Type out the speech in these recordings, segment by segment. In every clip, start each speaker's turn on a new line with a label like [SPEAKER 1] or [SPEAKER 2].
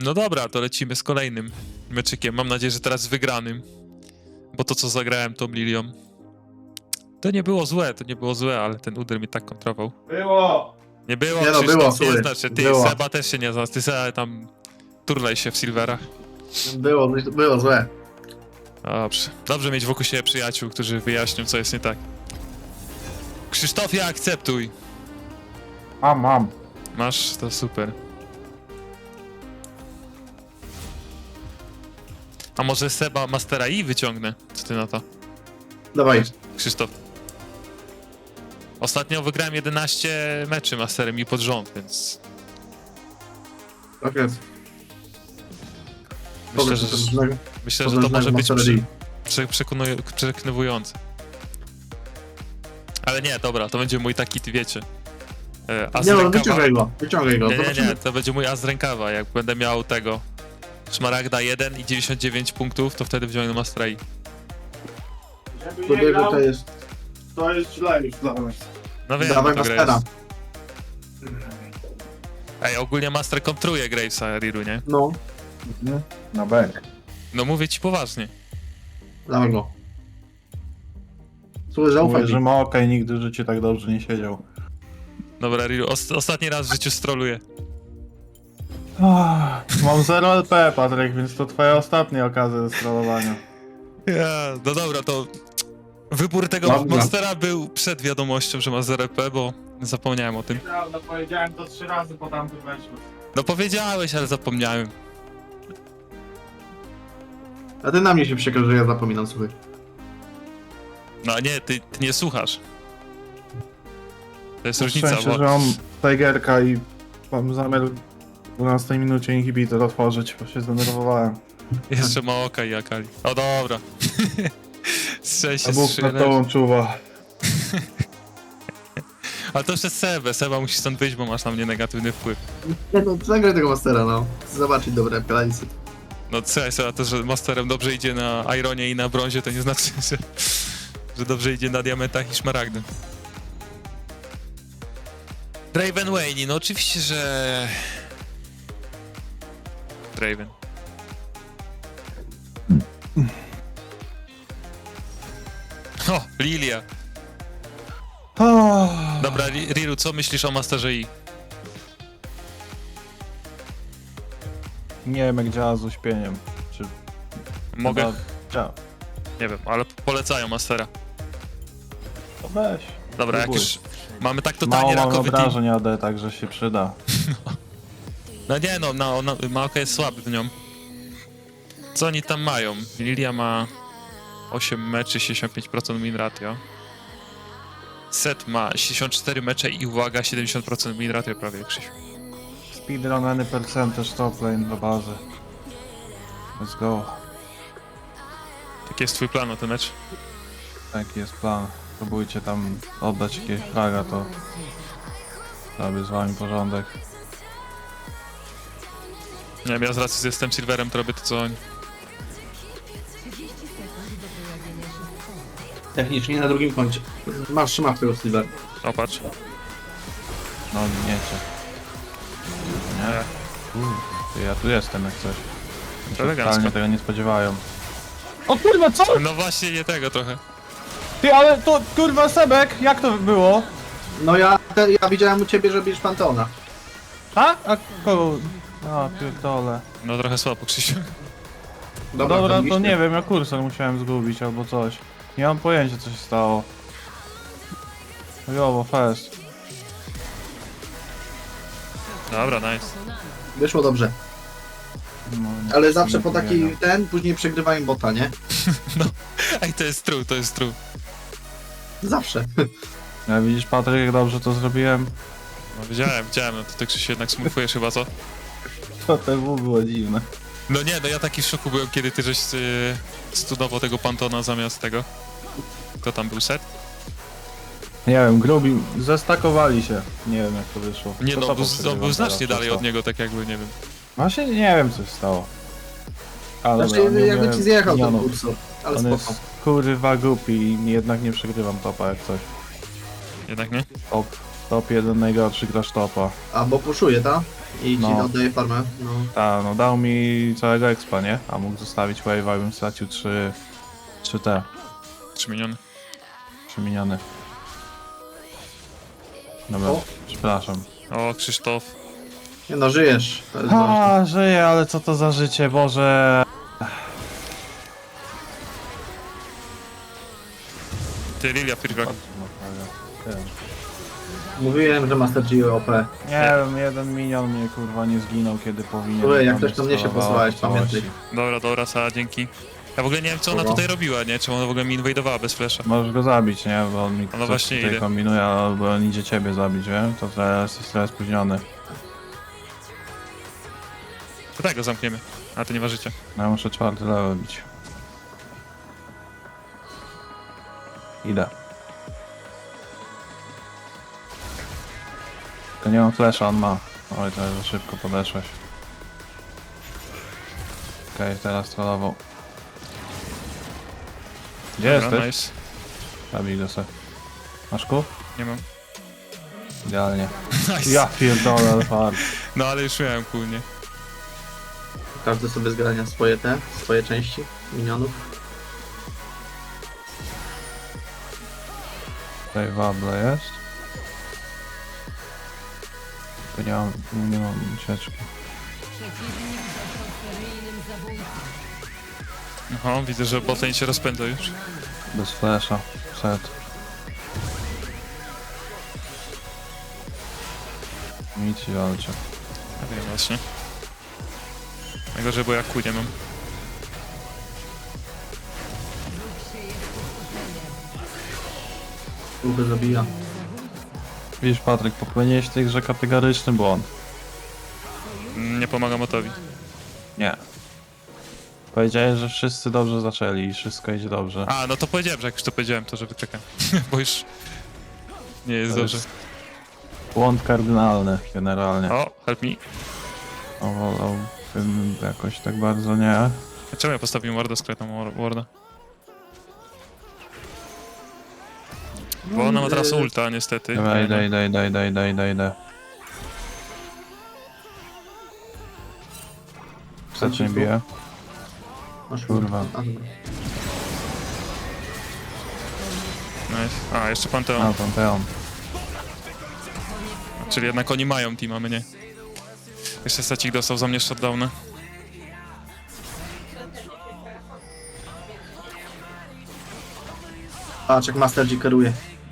[SPEAKER 1] No dobra, to lecimy z kolejnym meczykiem. Mam nadzieję, że teraz wygranym. Bo to, co zagrałem tą Lilią, to nie było złe, ale ten Udyr mi tak kontrował.
[SPEAKER 2] Było!
[SPEAKER 1] Nie było,
[SPEAKER 3] Nie no,
[SPEAKER 1] Krzysztof,
[SPEAKER 3] było,
[SPEAKER 1] nie
[SPEAKER 3] słuchaj.
[SPEAKER 1] znaczy. Ty,
[SPEAKER 3] Było.
[SPEAKER 1] Seba też się nie znasz. Ty Seba tam turlaj się w Silverach.
[SPEAKER 3] Było złe.
[SPEAKER 1] Dobrze. Dobrze mieć wokół siebie przyjaciół, którzy wyjaśnią, co jest nie tak. Krzysztofie, akceptuj.
[SPEAKER 2] Mam.
[SPEAKER 1] Masz, to super. A może Seba Mastera i wyciągnę? Co ty na to,
[SPEAKER 3] Dawaj.
[SPEAKER 1] Krzysztof? Ostatnio wygrałem 11 meczy Masterem i pod rząd, więc
[SPEAKER 3] Tak jest.
[SPEAKER 1] myślę, że to może być przekonywujące. Ale nie, dobra, to będzie mój taki, ty wiecie. As
[SPEAKER 3] Nie no,
[SPEAKER 1] rękawa.
[SPEAKER 3] wyciągaj go.
[SPEAKER 1] Nie,
[SPEAKER 3] Zobaczymy.
[SPEAKER 1] to będzie mój as z rękawa. Jak będę miał tego Szmaragda 1 i 99 punktów, to wtedy wziąłem Mastera i.
[SPEAKER 2] Żeby nie
[SPEAKER 3] Podejrzewam,
[SPEAKER 2] grał,
[SPEAKER 3] to jest...
[SPEAKER 2] to jest źle już dla nas.
[SPEAKER 1] No wiem,
[SPEAKER 3] Dawaj
[SPEAKER 1] to gra
[SPEAKER 3] Mastera.
[SPEAKER 1] jest. Ej, ogólnie Master kontruje Gravesa Riru, nie?
[SPEAKER 3] No,
[SPEAKER 2] Na bank.
[SPEAKER 1] No mówię ci poważnie.
[SPEAKER 3] dawaj go. Słuchaj, zaufaj
[SPEAKER 2] Mówię, że
[SPEAKER 3] mi.
[SPEAKER 2] ma okej, nigdy w życiu tak dobrze nie siedział.
[SPEAKER 1] Dobra, Riru, ostatni raz w życiu stroluję.
[SPEAKER 2] Mam 0 LP, Patryk, więc to twoja ostatnia okazja do strollowania.
[SPEAKER 1] No dobra, to wybór tego
[SPEAKER 3] Dobra.
[SPEAKER 1] Mastera był przed wiadomością, że ma 0P, bo zapomniałem o tym.
[SPEAKER 2] Prawda, powiedziałem to 3 razy, po tamtym weszło.
[SPEAKER 1] No powiedziałeś, ale zapomniałem.
[SPEAKER 3] A ty na mnie się przekaż, że ja zapominam, słuchaj.
[SPEAKER 1] No nie, ty nie słuchasz. To jest
[SPEAKER 2] Na
[SPEAKER 1] różnica,
[SPEAKER 2] szczęście,
[SPEAKER 1] bo
[SPEAKER 2] że mam Tigerka i mam zamiar w 12 minucie inhibitor otworzyć, bo się zdenerwowałem.
[SPEAKER 1] jeszcze ma oka i Akali. O dobra. Szczęście
[SPEAKER 2] A Bóg
[SPEAKER 1] z
[SPEAKER 2] nad tobą czuwa.
[SPEAKER 1] Ale to jeszcze Seba musi stąd wyjść, bo masz na mnie negatywny wpływ.
[SPEAKER 3] Nie no, zagraj tego Mastera, no. Chcę zobaczyć dobre planisy.
[SPEAKER 1] No słuchaj, Seba, to, że Masterem dobrze idzie na Ironie i na brązie, to nie znaczy, że dobrze idzie na diamentach i szmaragdy. Draven Wayne, no oczywiście, że... Draven. O, Lilia. Dobra, Riru, co myślisz o Masterze I?
[SPEAKER 2] Nie wiem jak działa z uśpieniem. Czy
[SPEAKER 1] Mogę?
[SPEAKER 2] chyba działa.
[SPEAKER 1] Nie wiem, ale polecają Mastera.
[SPEAKER 2] To weź.
[SPEAKER 1] Dobra, jak
[SPEAKER 2] Próbuj.
[SPEAKER 1] już mamy tak totalnie
[SPEAKER 2] Mało mam
[SPEAKER 1] rakowy team.
[SPEAKER 2] obrażeń AD, także się przyda.
[SPEAKER 1] No nie no, Maoka jest słaby w nią. Co oni tam mają? Lilia ma 8 meczy, 65% win ratio. Set ma 64 mecze i uwaga, 70% win ratio prawie, Krzysiu.
[SPEAKER 2] Speedrun any percentage top lane do bazy. Let's go.
[SPEAKER 1] Jaki jest twój plan na ten mecz?
[SPEAKER 2] Taki jest plan. Próbujcie tam oddać jakiegoś flaga, to robię z wami porządek.
[SPEAKER 1] Nie wiem, ja z racji, że jestem Silverem, to robię to co oni.
[SPEAKER 3] Technicznie na drugim końcu. Trzymasz tego Silver.
[SPEAKER 1] O, patrz.
[SPEAKER 2] No nie cię. Nie? Ty, ja tu jestem jak coś.
[SPEAKER 1] Elegancko.
[SPEAKER 2] Totalnie tego nie spodziewają. O kurwa, co?
[SPEAKER 1] No właśnie, nie tego trochę.
[SPEAKER 2] Ty, ale to kurwa Sebek, jak to było?
[SPEAKER 3] No ja widziałem u ciebie, że bierzesz Pantona.
[SPEAKER 2] A kogo? A, pierdolę.
[SPEAKER 1] No trochę słabo, Krzysiu.
[SPEAKER 2] Dobra, to
[SPEAKER 3] widzisz?
[SPEAKER 2] nie wiem, ja kursor musiałem zgubić albo coś. Nie mam pojęcia co się stało. Jowo, fest.
[SPEAKER 1] Dobra, nice.
[SPEAKER 3] Wyszło dobrze.
[SPEAKER 2] No,
[SPEAKER 3] Ale zawsze
[SPEAKER 2] nie
[SPEAKER 3] po taki
[SPEAKER 2] powiedział.
[SPEAKER 3] później przegrywają bota, nie?
[SPEAKER 1] Ej, to jest true, to jest true.
[SPEAKER 3] Zawsze.
[SPEAKER 2] Ja widzisz Patryk, jak dobrze to zrobiłem?
[SPEAKER 1] No widziałem, no to ty Krzysiu jednak smurfujesz chyba, co?
[SPEAKER 2] To TW było dziwne.
[SPEAKER 1] No nie, no ja taki w szoku byłem, kiedy ty żeś studował tego Pantona zamiast tego. Kto tam był, Set?
[SPEAKER 2] Nie wiem, grubi, zestakowali się. Nie wiem jak to wyszło.
[SPEAKER 1] Nie
[SPEAKER 2] To
[SPEAKER 1] no,
[SPEAKER 2] co
[SPEAKER 1] był
[SPEAKER 2] przegrywam
[SPEAKER 1] znacznie
[SPEAKER 2] teraz,
[SPEAKER 1] dalej
[SPEAKER 2] to
[SPEAKER 1] od
[SPEAKER 2] co?
[SPEAKER 1] niego, tak jakby, nie wiem.
[SPEAKER 2] Właśnie nie wiem co się stało. Ale
[SPEAKER 3] Znaczy,
[SPEAKER 2] dobra, nie
[SPEAKER 3] jakby
[SPEAKER 2] wiem,
[SPEAKER 3] ci zjechał ten
[SPEAKER 2] minionów.
[SPEAKER 3] kursor. Ale
[SPEAKER 2] On
[SPEAKER 3] spoko.
[SPEAKER 2] jest kurwa głupi i jednak nie przegrywam topa jak coś.
[SPEAKER 1] Jednak nie?
[SPEAKER 2] Top 1 najgorszy gracz topa.
[SPEAKER 3] A, bo puszuje, tak? I ci
[SPEAKER 2] No.
[SPEAKER 3] oddaje farmę. No.
[SPEAKER 2] Tak, no dał mi całego expa, nie? A mógł zostawić wave'a, bym stracił 3 te
[SPEAKER 1] 3 miniony.
[SPEAKER 2] 3 miniony. Dobra,
[SPEAKER 3] O.
[SPEAKER 2] przepraszam.
[SPEAKER 1] O, Krzysztof.
[SPEAKER 3] Nie no, żyjesz. To jest ważne.
[SPEAKER 2] A, żyję, ale co to za życie, Boże.
[SPEAKER 1] Ty, Lilia Firgak.
[SPEAKER 3] Mówiłem, że Master G OP.
[SPEAKER 2] Nie wiem, jeden minion mnie kurwa nie zginął, kiedy powinien.
[SPEAKER 3] Słuchaj, jak
[SPEAKER 2] Tam
[SPEAKER 3] ktoś to mnie się
[SPEAKER 2] sterowało
[SPEAKER 3] posłałeś,
[SPEAKER 2] po całości.
[SPEAKER 3] pamiętaj.
[SPEAKER 1] Dobra, Sara, dzięki. Ja w ogóle nie wiem, co ona
[SPEAKER 3] Spoko.
[SPEAKER 1] tutaj robiła, nie? Czemu ona w ogóle mi inwajdowała bez flasha.
[SPEAKER 2] Możesz go zabić, nie? Bo on mi
[SPEAKER 1] No
[SPEAKER 2] coś
[SPEAKER 1] właśnie
[SPEAKER 2] tutaj
[SPEAKER 1] idę.
[SPEAKER 2] kombinuje, albo on idzie ciebie zabić, wiem? To teraz jest trochę spóźniony.
[SPEAKER 1] To tak go zamkniemy. A to nie ważycie.
[SPEAKER 2] Ja muszę 4 level bić. Idę. To nie mam flasha, on ma. Oj, to za szybko podeszłeś. Okej, teraz trollował. Gdzie
[SPEAKER 1] Dobra,
[SPEAKER 2] jesteś?
[SPEAKER 1] nice.
[SPEAKER 2] Zabij go se. Masz ku?
[SPEAKER 1] Nie mam.
[SPEAKER 2] Idealnie.
[SPEAKER 1] Nice.
[SPEAKER 2] Ja pierdolę, ale fart.
[SPEAKER 1] No ale już miałem kul, nie?
[SPEAKER 3] Każdy sobie zgarnia swoje części minionów.
[SPEAKER 2] Tutaj wable jest. Tu nie mam ucieczki.
[SPEAKER 1] Aha, widzę, że botlane się rozpędza już.
[SPEAKER 2] Bez flasha. Set. Nic ci walczy.
[SPEAKER 1] Ja wiem właśnie. Najgorzej, bo ja kul nie mam.
[SPEAKER 3] Próby zabija.
[SPEAKER 2] Widzisz, Patryk, popełniłeś w tej grze kategoryczny błąd.
[SPEAKER 1] Nie pomagam Otowi.
[SPEAKER 2] Nie. Powiedziałeś, że wszyscy dobrze zaczęli i wszystko idzie dobrze.
[SPEAKER 1] A, no to powiedziałem, że jak już to powiedziałem, to że wyczekam. Bo już nie jest
[SPEAKER 2] To
[SPEAKER 1] dobrze.
[SPEAKER 2] jest błąd kardynalny generalnie.
[SPEAKER 1] O, help me.
[SPEAKER 2] Wolałbym jakoś tak bardzo nie.
[SPEAKER 1] Czemu ja postawiłem warda, skrytą warda? Bo ona ma teraz ulta, niestety.
[SPEAKER 2] Dobra, idę. Wstecz nie bije.
[SPEAKER 3] Masz
[SPEAKER 2] Kurwa.
[SPEAKER 3] A, dobra.
[SPEAKER 1] Nice. A, jeszcze Panteon.
[SPEAKER 2] A, Panteon.
[SPEAKER 1] Czyli jednak oni mają team, a my nie. Jeszcze Stacik dostał za mnie shutdowna.
[SPEAKER 3] Patrz jak Master G kieruje.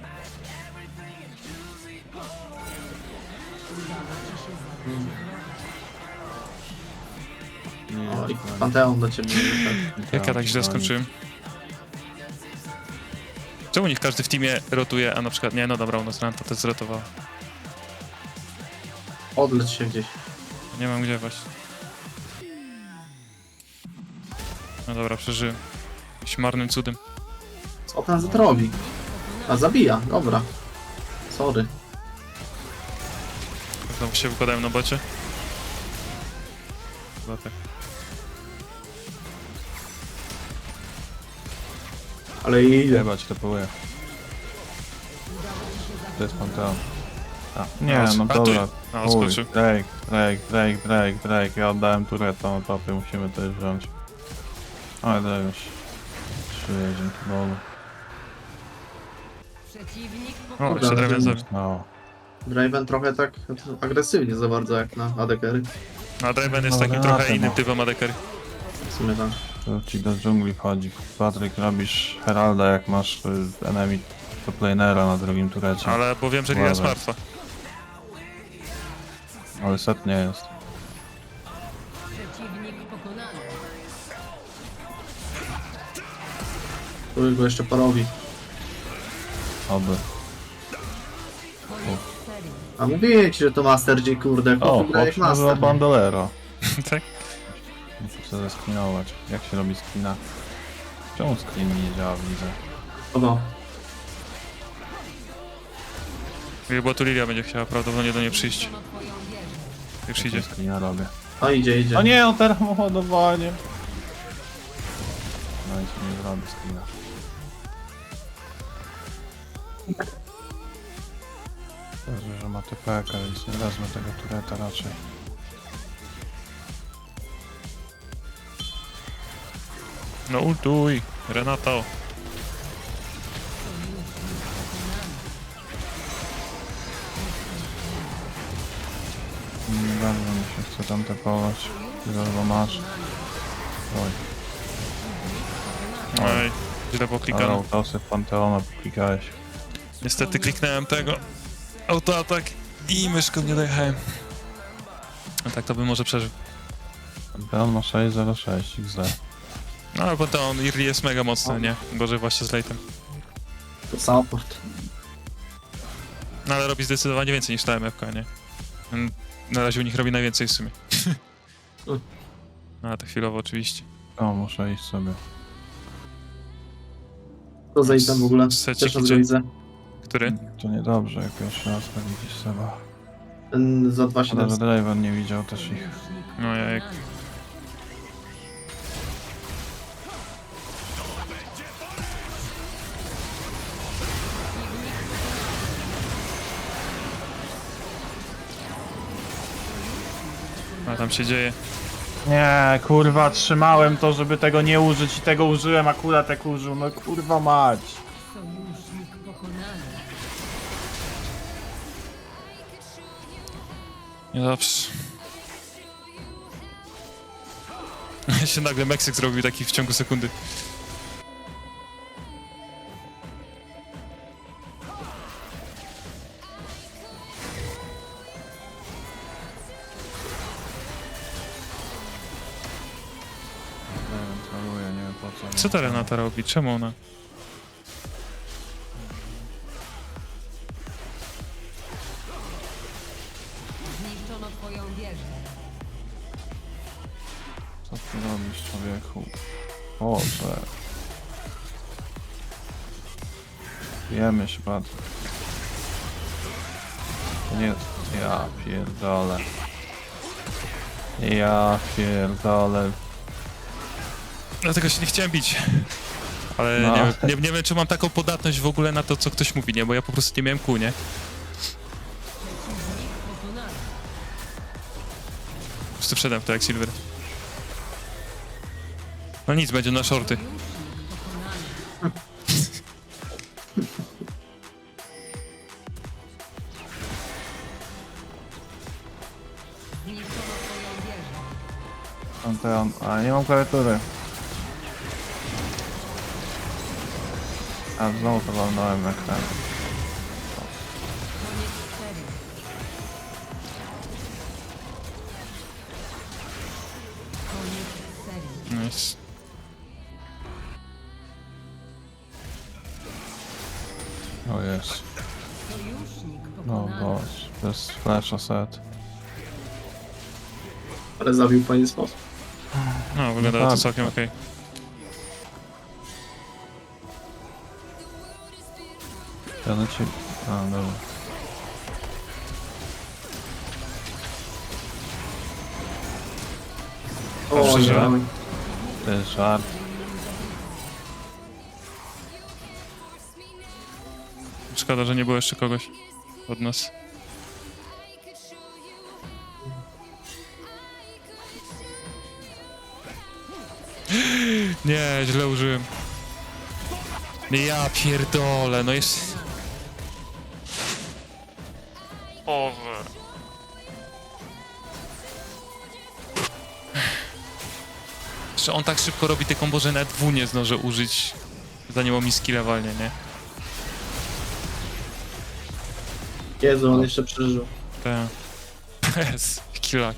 [SPEAKER 3] O, i Panteon do ciebie wyszedł.
[SPEAKER 1] Jak ja tak źle skończyłem? Czemu niech każdy w teamie rotuje, a na przykład nie, no dobra, u nas Ranta też zrotowała.
[SPEAKER 3] Odleć się gdzieś.
[SPEAKER 1] Nie mam gdzie właśnie. No dobra, przeżyłem. Jakimś marnym cudem.
[SPEAKER 3] Co ten Z robi? A zabija, dobra. Sorry.
[SPEAKER 1] Znowu się wykładałem na bocie. Chyba tak.
[SPEAKER 3] Ale idzie.
[SPEAKER 2] Jebać te poły. To jest Panteon. A, nie,
[SPEAKER 1] A,
[SPEAKER 2] no
[SPEAKER 1] a tu-
[SPEAKER 2] dobra.
[SPEAKER 1] a,
[SPEAKER 2] Uj,
[SPEAKER 1] skoczył.
[SPEAKER 2] Drake. Ja oddałem tureta na topie, musimy też wziąć. Ale to już. 3 dzięki Bogu.
[SPEAKER 4] Przeciwnik
[SPEAKER 1] O, jeszcze Draven zabił.
[SPEAKER 2] No.
[SPEAKER 3] Draven trochę tak agresywnie za bardzo jak na AD-carry.
[SPEAKER 1] A Draven jest
[SPEAKER 2] No,
[SPEAKER 1] takim
[SPEAKER 2] Renata,
[SPEAKER 1] trochę innym
[SPEAKER 2] no.
[SPEAKER 1] typem adekery.
[SPEAKER 3] W sumie tak.
[SPEAKER 2] To ci do dżungli wchodzi. Patryk, robisz Heralda jak masz enemy toplanera na drugim turecie.
[SPEAKER 1] Ale bo wiem, że Lilia jest
[SPEAKER 2] Uważaj.
[SPEAKER 1] martwa.
[SPEAKER 2] Ale set nie jest.
[SPEAKER 4] przeciwnik pokonany.
[SPEAKER 3] Tu go jeszcze porobi.
[SPEAKER 2] Oby.
[SPEAKER 4] Koniec serii.
[SPEAKER 3] A mówię ci, że to Master G, kurde.
[SPEAKER 2] O,
[SPEAKER 3] Chłop gra jak
[SPEAKER 2] chłop nazywa
[SPEAKER 3] Master.
[SPEAKER 2] Bandolero.
[SPEAKER 1] Tak?
[SPEAKER 2] Muszę zeskrinować. Jak się robi screena? Czemu screen mi nie działa w lidze?
[SPEAKER 3] Kogo?
[SPEAKER 1] Bo tu Lilia będzie chciała prawdopodobnie do niej przyjść.
[SPEAKER 4] Zniszczono twoją wieżę.
[SPEAKER 1] Już idzie.
[SPEAKER 2] Screena robię.
[SPEAKER 3] O, idzie.
[SPEAKER 2] O nie, on teraz ma ładowanie. No i się nie zrobi screena. Dobrze, że ma TPK, więc nie wezmę tego tureta raczej.
[SPEAKER 1] No ultuj, Renato.
[SPEAKER 2] Nie bardzo mi się chce tam tepować. Tyle chyba masz. Oj,
[SPEAKER 1] Oj, źle
[SPEAKER 2] ale
[SPEAKER 1] poklikano.
[SPEAKER 2] autosy w Panteona klikałeś.
[SPEAKER 1] Niestety kliknąłem tego autoatak i myszką nie dojechałem. A tak to bym może przeżył.
[SPEAKER 2] Panteon ma 606 XD.
[SPEAKER 1] No ale potem on Irli jest mega mocny, nie? Gorzej właśnie z late'em.
[SPEAKER 3] To support.
[SPEAKER 1] No ale robi zdecydowanie więcej niż ta MFK, nie? Na razie u nich robi najwięcej w sumie. No a to chwilowo oczywiście.
[SPEAKER 2] O, muszę iść sobie.
[SPEAKER 3] To za item w ogóle.
[SPEAKER 1] Secik
[SPEAKER 3] Też raz
[SPEAKER 1] gdzie?
[SPEAKER 3] go widzę.
[SPEAKER 1] Który?
[SPEAKER 2] To niedobrze, jak pierwszy raz tak widzisz Seba.
[SPEAKER 3] Ten za
[SPEAKER 2] Ale
[SPEAKER 3] 2700.
[SPEAKER 2] że Draven nie widział też ich.
[SPEAKER 1] No jak. A tam się dzieje.
[SPEAKER 2] Nie, kurwa, trzymałem to, żeby tego nie użyć i tego użyłem, akurat jak użył, no kurwa mać.
[SPEAKER 4] Sojusznik pokonany.
[SPEAKER 1] Niedobrze. się nagle Meksyk zrobił taki w ciągu sekundy.
[SPEAKER 2] Draven troluje, nie wiem po co.
[SPEAKER 1] Co ta Renata robi? Czemu ona?
[SPEAKER 4] Zniszczono twoją wieżę.
[SPEAKER 2] Co ty robisz, człowieku? Boże. Bijemy się bardzo. To nie... Ja pierdolę. Ja pierdolę.
[SPEAKER 1] Dlatego się nie chciałem bić. Ale
[SPEAKER 2] No.
[SPEAKER 1] nie wiem, czy mam taką podatność w ogóle na to, co ktoś mówi, nie? Bo ja po prostu nie miałem kół, nie?
[SPEAKER 4] Pokonany.
[SPEAKER 1] Po prostu wszedłem w to jak Silver. No nic, będzie na shorty.
[SPEAKER 4] Pokonany. Zniszczono twoją wieżę.
[SPEAKER 2] Panteon, ale nie mam klawiatury. A znowu to walnąłem jak ten.
[SPEAKER 4] Koniec serii. Koniec serii.
[SPEAKER 1] Nice.
[SPEAKER 2] O jest.
[SPEAKER 4] Sojusznik
[SPEAKER 2] No
[SPEAKER 4] pokonany.
[SPEAKER 2] boż, to jest flash set.
[SPEAKER 3] Ale zabił w fajny sposób.
[SPEAKER 1] No, wygląda to
[SPEAKER 2] tak.
[SPEAKER 1] całkiem okej.
[SPEAKER 2] Ja na ciebie... A, dobra.
[SPEAKER 3] O,
[SPEAKER 1] Dobrze,
[SPEAKER 3] nie.
[SPEAKER 2] To jest żart.
[SPEAKER 1] Szkoda, że nie było jeszcze kogoś od nas. Nie, źle użyłem. Ja pierdolę, no jest... Boże. Że on tak szybko robi te kombo, że nawet W nie zdążę użyć, zanim on mi skilla walnie, nie?
[SPEAKER 3] Jezu, on jeszcze przeżył.
[SPEAKER 1] Tak. Bez killa.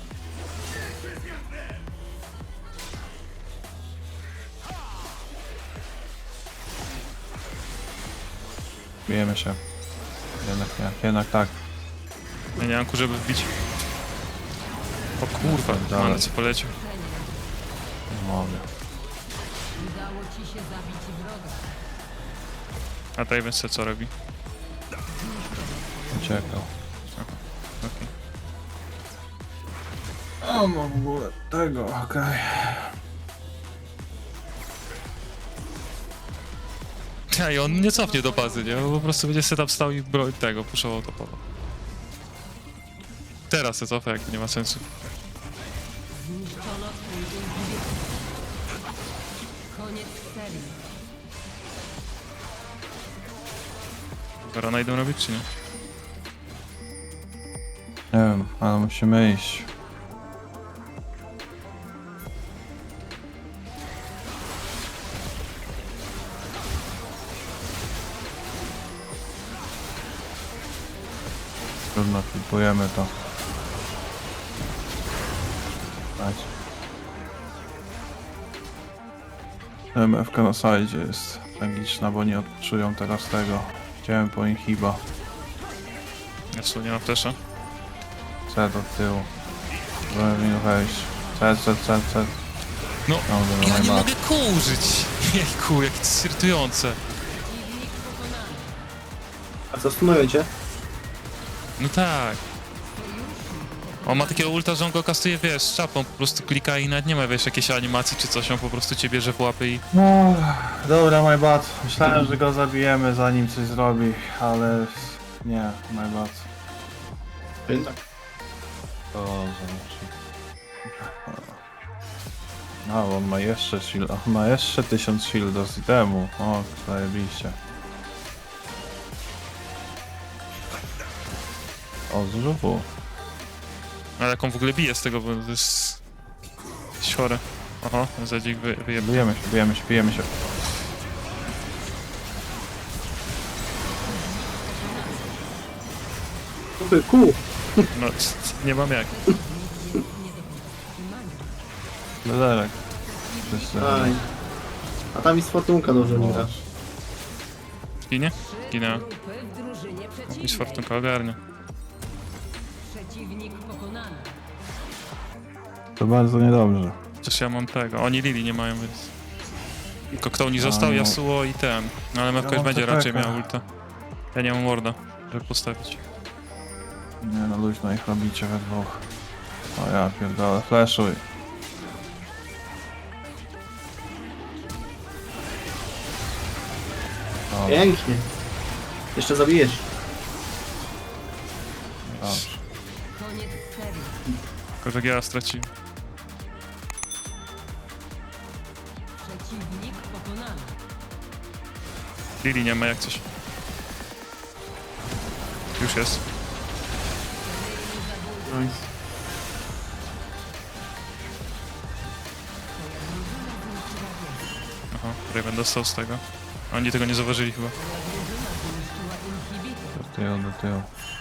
[SPEAKER 2] Bijemy się. Jednak nie, jednak tak.
[SPEAKER 1] Ja nie mam ku, żeby wbić. O kurwa,
[SPEAKER 2] Dalej.
[SPEAKER 1] ale co poleciał.
[SPEAKER 2] Nie mogę.
[SPEAKER 4] Udało ci się zabić wroga.
[SPEAKER 1] A Draven se co robi?
[SPEAKER 2] Uciekał.
[SPEAKER 1] Okej.
[SPEAKER 2] O, no w ogóle tego, okej.
[SPEAKER 1] Ja, i on nie cofnie do bazy, nie? Po prostu będzie setup stał i broń tego, puszował topowo. Teraz se cofa, jak nie ma sensu.
[SPEAKER 4] Zniszczono twój ulubieńcy. Koniec serii.
[SPEAKER 1] Barona idą robić, czy nie?
[SPEAKER 2] Nie wiem, ale musimy iść. Trudno, flipujemy to. Dać. MFK na sajdzie jest tragiczna, bo nie odczują teraz tego. Chciałem po nich chyba.
[SPEAKER 1] Ja w sumie nie mam flesza.
[SPEAKER 2] C do tyłu. Żeby mi wejść. C.
[SPEAKER 1] No,
[SPEAKER 2] Dobra,
[SPEAKER 1] ja nie
[SPEAKER 2] najbardziej.
[SPEAKER 1] mogę kół użyć. Jejku, jakie to jest irytujące.
[SPEAKER 4] Przeciwnik pokonany.
[SPEAKER 3] A co stunujecie?
[SPEAKER 1] No tak. On ma takiego ulta, że on go kastuje, wiesz, z czapą, po prostu klika i nawet nie ma, wiesz, jakiejś animacji czy coś, on po prostu cię bierze w łapy i...
[SPEAKER 2] No, dobra, my bad. Myślałem, że go zabijemy zanim coś zrobi, ale nie, my bad.
[SPEAKER 3] Jednak.
[SPEAKER 2] To zobaczy. No, on ma jeszcze shield, on ma jeszcze 1000 shielda z itemu. O, zajebiście. O, zrzutu.
[SPEAKER 1] Ale jak on w ogóle bije z tego, bo to jest... chore. Oho, Zedzik wyjebał.
[SPEAKER 2] Bijemy się.
[SPEAKER 3] Kupy, kół!
[SPEAKER 1] No, nie mam jak.
[SPEAKER 2] Lederek. Wszyscy.
[SPEAKER 3] Aj. A tam jest fortunka dobrze nie gra.
[SPEAKER 1] Ginie? Ginęła.
[SPEAKER 4] Grupy w drużynie
[SPEAKER 1] Jakiś
[SPEAKER 4] przeciwnej.
[SPEAKER 1] fortunka ogarnia.
[SPEAKER 4] Przeciwnik pokonany.
[SPEAKER 2] To bardzo niedobrze.
[SPEAKER 1] Chociaż ja mam tego. Oni Lili nie mają, więc... Tylko kto nie został?
[SPEAKER 2] no.
[SPEAKER 1] Yasuo i ten. No ale Mewka
[SPEAKER 2] Ja
[SPEAKER 1] już
[SPEAKER 2] mam
[SPEAKER 1] będzie
[SPEAKER 2] TPK.
[SPEAKER 1] raczej miał ulta. Ja nie mam warda, żeby postawić.
[SPEAKER 2] Nie no, luźno ich robicie we dwóch. O ja pierdolę, flashuj. O,
[SPEAKER 3] Pięknie. Jeszcze zabijesz.
[SPEAKER 2] dobrze.
[SPEAKER 4] Koniec serii.
[SPEAKER 1] Tylko, że ja straciłem.
[SPEAKER 4] Przeciwnik pokonany.
[SPEAKER 1] Lili nie ma jak coś. Już jest.
[SPEAKER 3] Nice.
[SPEAKER 1] Aha, Raven dostał z tego. Oni tego nie zauważyli chyba.
[SPEAKER 4] Zniszczyła inhibitor.
[SPEAKER 2] Do tyłu.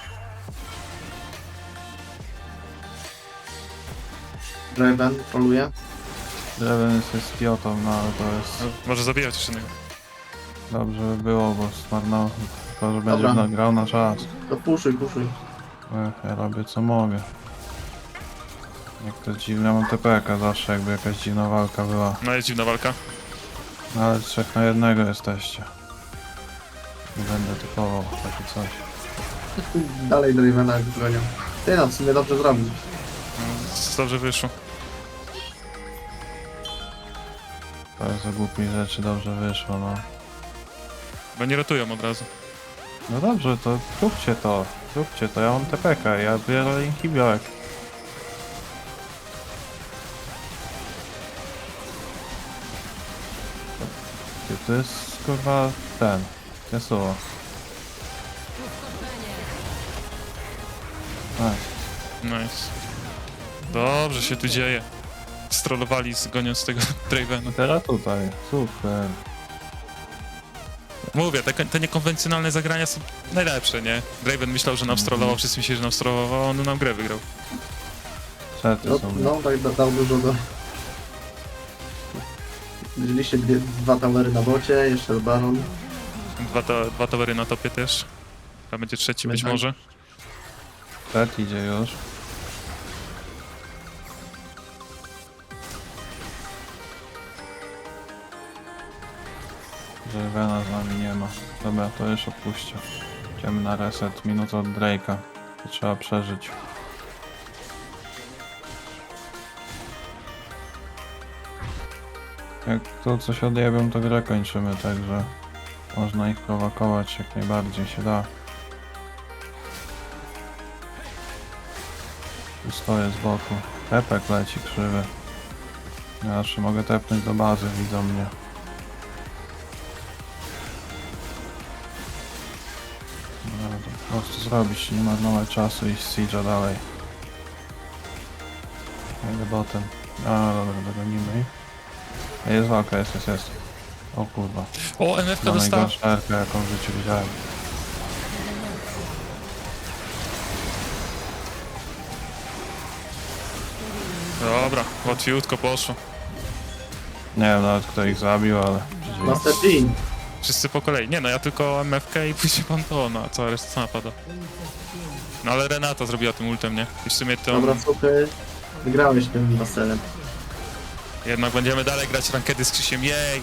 [SPEAKER 3] Draven troluje.
[SPEAKER 2] Draven jest idiotą, no ale to jest...
[SPEAKER 1] No, może zabijać jeszcze jednego.
[SPEAKER 2] Dobrze by było, bo zmarnował. Tylko, że będzie
[SPEAKER 3] Dobra.
[SPEAKER 2] grał na czas.
[SPEAKER 3] To puszuj.
[SPEAKER 2] Ja robię co mogę. Jak to dziwne, mam TPK zawsze, jakby jakaś dziwna walka była.
[SPEAKER 1] No jest dziwna walka.
[SPEAKER 2] No ale 3 na 1 jesteście. Nie będę typował takie coś.
[SPEAKER 3] Dalej Dravena gonią. Ty no, w sumie dobrze zrobił.
[SPEAKER 1] No, dobrze wyszło.
[SPEAKER 2] To jest za głupiej rzeczy dobrze wyszło, no.
[SPEAKER 1] Bo nie rotują od razu.
[SPEAKER 2] No dobrze, to zróbcie to, ja mam TPK, ja biorę inhibiorek. To jest kurwa ten, Yasuo. Nice.
[SPEAKER 1] Nice. Dobrze się tu dzieje. Strollowali goniąc tego Dravena.
[SPEAKER 2] Teraz tutaj, super.
[SPEAKER 1] Mówię, te niekonwencjonalne zagrania są najlepsze, nie? Draven myślał, że nam strollował, wszyscy myśleli, że nam strollował, a on nam grę wygrał.
[SPEAKER 2] Sety
[SPEAKER 3] No,
[SPEAKER 2] są.
[SPEAKER 3] no tak dał dużo do... Widzieliście dwa towery na bocie, jeszcze Baron.
[SPEAKER 1] Dwa towery na topie też. A będzie trzeci być
[SPEAKER 3] Tak.
[SPEAKER 1] może.
[SPEAKER 2] Set idzie już. Żywena z nami nie ma. Dobra, to już odpuśćcie. Idziemy na reset, minutę od Drake'a. To trzeba przeżyć. Jak to coś odjebią, to grę kończymy, także można ich prowokować jak najbardziej się da. Tu stoję z boku. Tepek leci krzywy. Ja jeszcze mogę tepnąć do bazy, widzą mnie. prostu zrobić, nie marnować czasu i siege'a dalej. Jadę botem. A, dobra, dogonimy ich. Jest walka, jest. O kurwa.
[SPEAKER 1] O, MF-ka
[SPEAKER 2] Ma
[SPEAKER 1] dostała.
[SPEAKER 2] najgorszą erkę, jaką w życiu widziałem.
[SPEAKER 1] Dobra, łatwiutko poszło.
[SPEAKER 2] Nie wiem nawet kto ich zabił, ale...
[SPEAKER 3] Master Jean.
[SPEAKER 1] Wszyscy po kolei. Nie no, ja tylko MF-kę i później Pantona, a cała reszta sama pada. No ale Renata zrobiła tym ultem, nie? I w sumie to
[SPEAKER 3] Dobra, słuchaj. Wygrałeś tym Masterem.
[SPEAKER 1] jednak będziemy dalej grać rankedy z Krzysiem, jej!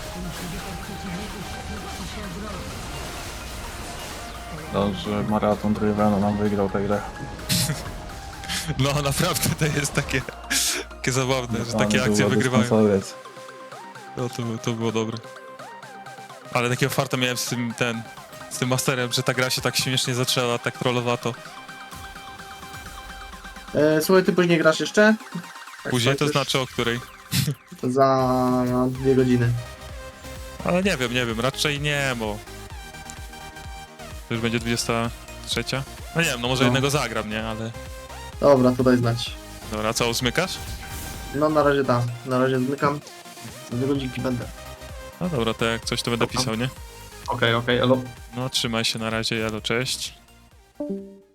[SPEAKER 2] Dobrze, maraton Drivena nam wygrał tę grę.
[SPEAKER 1] No naprawdę to jest takie zabawne, że takie
[SPEAKER 2] Ale
[SPEAKER 1] akcje
[SPEAKER 2] było
[SPEAKER 1] wygrywają.
[SPEAKER 2] dystansowiec.
[SPEAKER 1] No to było dobre. Ale takiego farta miałem z tym Masterem, że ta gra się tak śmiesznie zaczęła, tak trollowato.
[SPEAKER 3] Słuchaj, ty później grasz jeszcze? Tak
[SPEAKER 1] Później to
[SPEAKER 3] skończysz?
[SPEAKER 1] znaczy o której.
[SPEAKER 3] To za 2 godziny.
[SPEAKER 1] Ale nie wiem, raczej nie, bo... To już będzie 23? No nie wiem, no może
[SPEAKER 3] No.
[SPEAKER 1] jednego zagram, nie? Ale...
[SPEAKER 3] Dobra, to daj znać.
[SPEAKER 1] Dobra, a co, uzmykasz?
[SPEAKER 3] No na razie tak. Na razie zmykam. Za 2 godzinki będę.
[SPEAKER 1] No dobra, to jak coś to będę pisał, nie?
[SPEAKER 3] Okej, elo.
[SPEAKER 1] No trzymaj się na razie, jalo, cześć.